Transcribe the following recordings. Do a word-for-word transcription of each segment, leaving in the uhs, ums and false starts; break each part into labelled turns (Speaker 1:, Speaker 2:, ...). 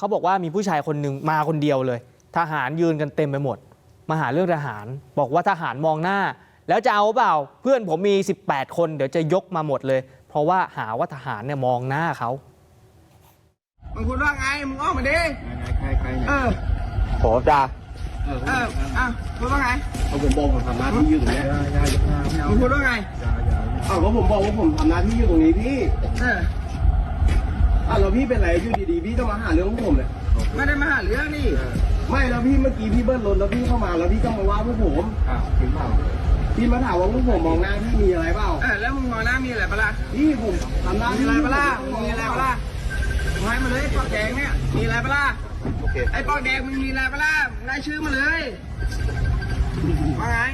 Speaker 1: เขาบอกว่ามีผู้ชายคนหนึ่งมาคนเดียวเลยทหารยืนกันเต็มไปหมดมาหาเรื่องทหารบอกว่าทหารมองหน้าแล้วจะเอาเปล่าเพื่อนผมมีสิบแปดคนเดี๋ยวจะยกมาหมดเลยเพราะว่าหาว่าทหารเนี่ยมองหน้าเขา
Speaker 2: มึงพูดว่าไงมึงออกมาดิ
Speaker 3: ใครใคร
Speaker 2: เออ
Speaker 3: ขอจ่า
Speaker 2: เอออ่ะพูดว่าไง
Speaker 3: เอาผมบอกผมทำหน้าที่อยู่ตรงนี้
Speaker 2: มึงพูดว่าไง
Speaker 3: อ้าวก็ผมบอกว่าผมทำหน้าที่อยู่ตรงนี้พี่
Speaker 2: เออ
Speaker 3: อ่ะแล้วพี่เป็นไรอยู่ดีๆพี่ต้องมาหาเรื่องผมเลย
Speaker 2: ไม่ได้มาหาเรื่องนี่
Speaker 3: ไม่แล้วพี่เมื่อกี้พี่เบิ้ลรถแล้วพี่เข้ามาแล้วพี่ก็มาว่าพวกผมอ้าวถึงเปล่าพี่มาถามว่าพวกผมมองหน้าพี่มีอะไรเปล่า
Speaker 2: เออแล้วมึงมองหน้ามีอะไรปะล่ะ
Speaker 3: พี่ผมทำหน้า
Speaker 2: มีอะไรปะล่ะมีอะไรปะล่ะมึงให้มาเลยปอกแดงเนี่ยมีอะไรปะล่ะไอ้ปอกแดงมึงมีอะไรปะล่ะรายชื่อมาเลยว่าไง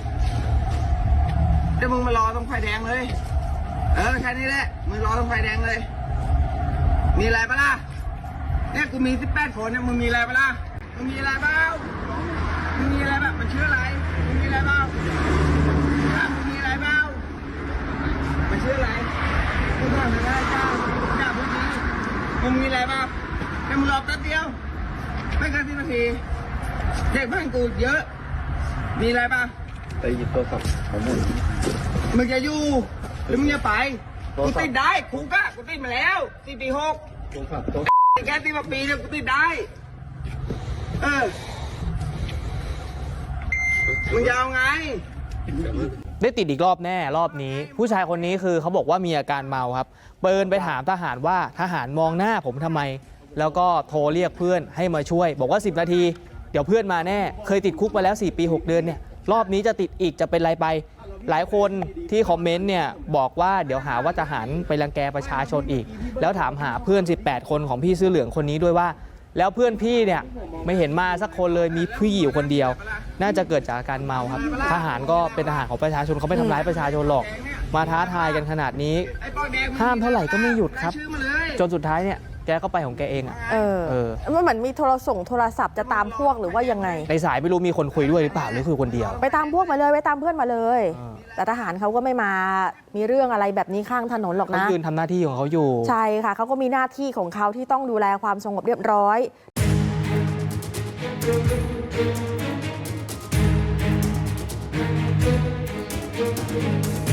Speaker 2: เดี๋ยวมึงมารอตรงไฟแดงเลยเออแค่นี้แหละมึงรอตรงไฟแดงเลยมีอะไรปะล่ะเนี่ยกูมีสิบแปดคนเนี่ยมึงมีอะไรปะล่ะมึงมีอะไรเปล่ามึงมีอะไรแบบมันชื่ออะไรมึงมีอะไรเปล่ามึงมีอะไรเปล่ามันชื่ออะไรกูบอกไม่ได้จ้าจ้าพูดดีมึงมีอะไรเปล่าแค่มึงรอแป๊บเดียวไม่เกินสิบนาทีเด็กบ้านกูเยอะมีอะไรเปล่า
Speaker 3: ไปหยิบโทรศัพท์ของมึง
Speaker 2: มึงจะอยู่หรือมึงจะไปกูติดได้คุกอะกูติดมาแล้วสี่ปีหก
Speaker 3: โทรศัพท์โทร
Speaker 2: แค่ติดมาปีเนี่ยกูติดได้เออมึงจะเอาไง
Speaker 1: ได้ติดอีกรอบแน่รอบนี้ผู้ชายคนนี้คือเขาบอกว่ามีอาการเมาครับเปิดไปถามทหารว่าทหารมองหน้าผมทำไมแล้วก็โทรเรียกเพื่อนให้มาช่วยบอกว่าสิบนาทีเดี๋ยวเพื่อนมาแน่เคยติดคุกมาแล้วสี่ปีหกเดือนเนี่ยรอบนี้จะติดอีกจะเป็นไรไปหลายคนที่คอมเมนต์เนี่ยบอกว่าเดี๋ยวหาว่าทหารไปรังแกประชาชนอีกแล้วถามหาเพื่อนสิบแปดคนของพี่เสื้อเหลืองคนนี้ด้วยว่าแล้วเพื่อนพี่เนี่ยไม่เห็นมาสักคนเลยมีพี่อยู่คนเดียวน่าจะเกิดจากอาการเมาครับทหารก็เป็นทหารของประชาชนเขาไม่ทำร้ายประชาชนหรอกมาท้าทายกันขนาดนี้ห้ามเท่าไหร่ก็ไม่หยุดครับจนสุดท้ายเนี่ยแกก็ไปของแกเองอ่ะ
Speaker 4: เออเออมันเหมือนมีโทรส่งโทรศัพท์จะตามพวกหรือว่ายังไง
Speaker 1: ในสายไม่รู้มีคนคุยด้วยหรือเปล่าหรือคือคนเดียว
Speaker 4: ไปตามพวกมาเลยไปตามเพื่อนมาเลยแต่ทหารเขาก็ไม่มามีเรื่องอะไรแบบนี้ข้างถนนหรอกนะ
Speaker 1: เขายืนทำหน้าที่ของเขาอยู่
Speaker 4: ใช่ค่ะเขาก็มีหน้าที่ของเขาที่ต้องดูแลความสงบเรียบร้อย
Speaker 5: Thank you.